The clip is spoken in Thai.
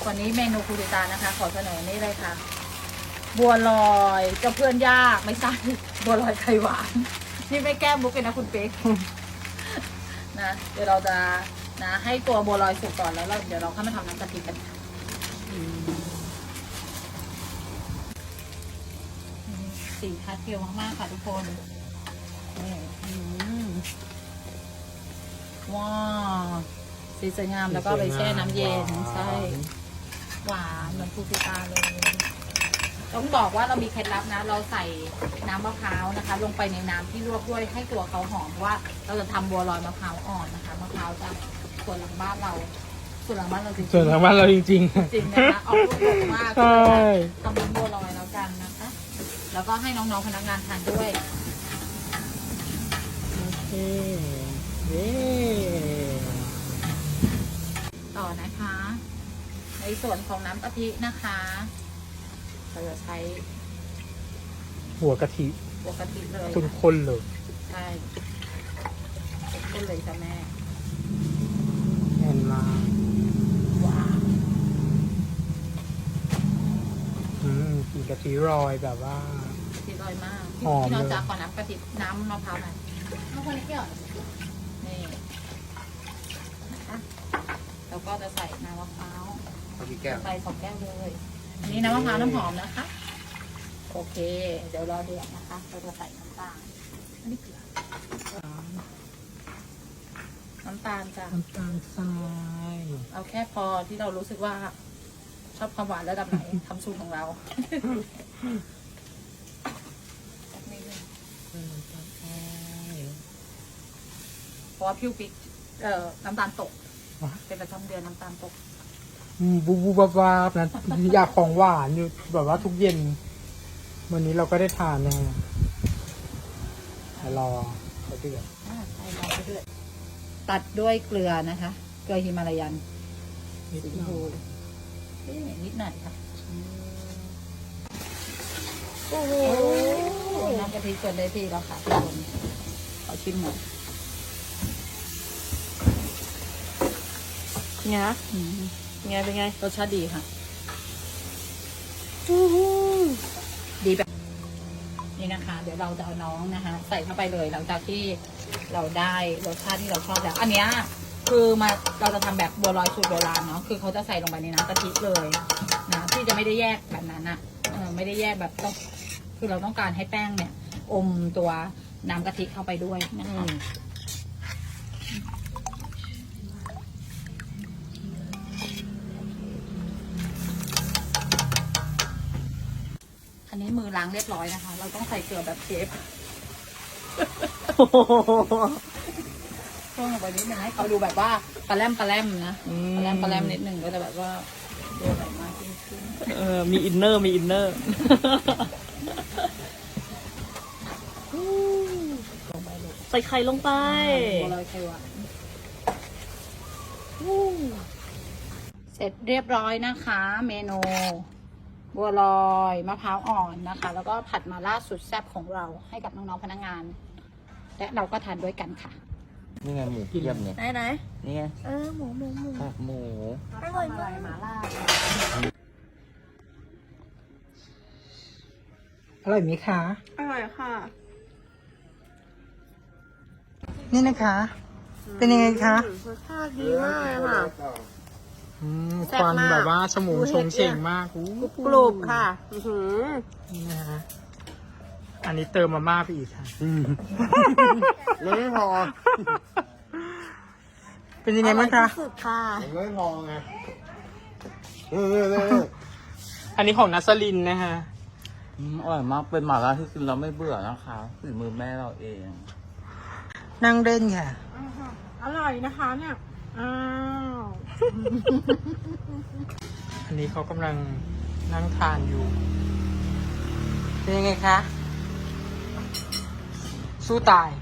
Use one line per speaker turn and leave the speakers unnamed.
วันนี้เมนูครูติตานะคะขอเสนอนี่เลยค่ะ บัวลอยเจ้าเพื่อนยากไม่ใช่บัวลอยไข่หวานนี่ไม่แก้มุกเลยนะคุณเป๊กนะเดี๋ยวเราจะนะให้ตัวบัวลอยสุกก่อนแล้วเดี๋ยวเราเข้ามาทำน้ำกะทิกันค่ะสีพาสเทลมากๆค่ะทุกคนว้าวสีสวยงามแล้วก็ไปแช่น้ำเย็นใช่หวานเหมือนครูติตาเลยต้องบอกว่าเรามีเคล็ดลับนะเราใส่น้ำมะพร้าวนะคะลงไปในน้ำที่ลวกด้วยให้ตัวเขาหอมเพราะว่าเราจะทำบัวลอยมะพร้าวอ่อนนะคะมะพร้าวจะส่วนหลังบ้านเราจริงๆนะคะออกลูกดกมากเลยทำน้ำบัวลอยแล้วกันนะคะแล้วก็ให้น้องๆพนักงานทานด้วย
โอเค
ต่อนะคะในส่วนของน้ำกะทินะคะเราจะใช้
หัวกะทิ
หัวกะทิเลย
ข้นๆเลย
ใช่ข้นเลยจ้ะแม่
แน่นมาก
ว้าว
กลิ่นกะทิรอยแบบว่า
กะทิลอยมาก
หอม
ที่
เลย
เราจะขอน้ำกะทิน้ำมะพร้าวหน่อยมะพร้าวนิดเดียวนี่นะคะแล้วก็จะใส่น้ำมะพร้าวใส่2 แก้วเลยอันนี้น้ำมะพร้าวน้ำหอมนะคะโอเคเดี๋ยวรอเดือดนะคะเราจะใส่น้ำตาลอันนี้เกลือน้ำตาลจ้ะ
น้ำตาลทราย
เอาแค่พอที่เรารู้สึกว่าชอบความหวานระดับไหน ทำสูตรของเราสักนิดนึงเพราะว่าพิวปิกน้ำตาลตกเป็นประจำเดือนน้ำตาลตก
บูบูบาบนะอยากของหวานอยู่แบบว่าทุกเย็นวันนี้เราก็ได้ทานนะรอเขาเดือด
ใส่ลงไปด้วยตัดด้วยเกลือนะคะเกลือฮิมาลายัน
นิด
สี
หน่
ฟู
อย
นิดหน่อยค่ะโอ้โหน้ำกะทิเกินได้ที่แล้วค่ะทุกคนขอชิมหน่อย
ไงนะไงเป็นไง
รสชาติดีค่ะดีแบบนี่นะคะ เดี๋ยวเราจะเอาน้องนะคะใส่เข้าไปเลยหลังจากที่เราได้รสชาติที่เราชอบแล้วอันเนี้ยคือเราจะทำแบบบัวลอยสูตรโบราณเนาะคือเขาจะใส่ลงไปในน้ำกะทิเลยนะที่จะไม่ได้แยกแบบนั้นอะไม่ได้แยกแบบต้องคือเราต้องการให้แป้งเนี่ย อมตัวน้ำกะทิเข้าไปด้วยนะคะอันนี้มือล้างเรียบร้อยนะคะ เราต้องใส่เกลือแบบเชฟเพิ่มลงไปนิดนึงให้เขาดูแบบว่าปลาแรมนะปลาแรมนิดนึงก็จะแบบว่าดูแบบมากขึ้น
มีอินเนอร์
ลงไปเลย
ใส่ไข่ลงไป
บัวลอยไข่หวานเสร็จเรียบร้อยนะคะ เมนูบัวลอยมะพร้าวอ่อนนะคะ แล้วก็ผัดมาล่าสุดแซ่บของเราให้กับน้องๆพนักงาน และเราก็ทานด้วยกันค่ะ
นี่ไงหมูเทียมเนี่ย
ไหน
นี่ไง
หมู
กากหมู
อร่อยมาก
มาล่า
อร่อยไหมคะ
อร่อยค่ะ
นี่นะคะ เป็นยังไงคะ
รสชาติดีมากเลยค่ะ แซ่
ค
บ
วัน
มาก
แบบว่าชมูชงเฉ่งมาก
กรุบค่ะ
นี่นะฮะอันนี้เติมมาม่าไปอีกค่ะ
มันไม่พอ
เป็นยังไงบ้างคะ
สุดค่ะ
มันไม่พอไง
อันนี้ของนัสลินนะฮะ
อร่อยมากเป็นหม่าล่าที่กินเราไม่เบื่อนะคะฝีมือแม่เราเอง
นั่งเล่นค่ะ
อร่อยนะคะเนี่ย อ้าว
อันนี้เขากำลังนั่งทานอยู่ เป็นยังไงคะ สู้ตาย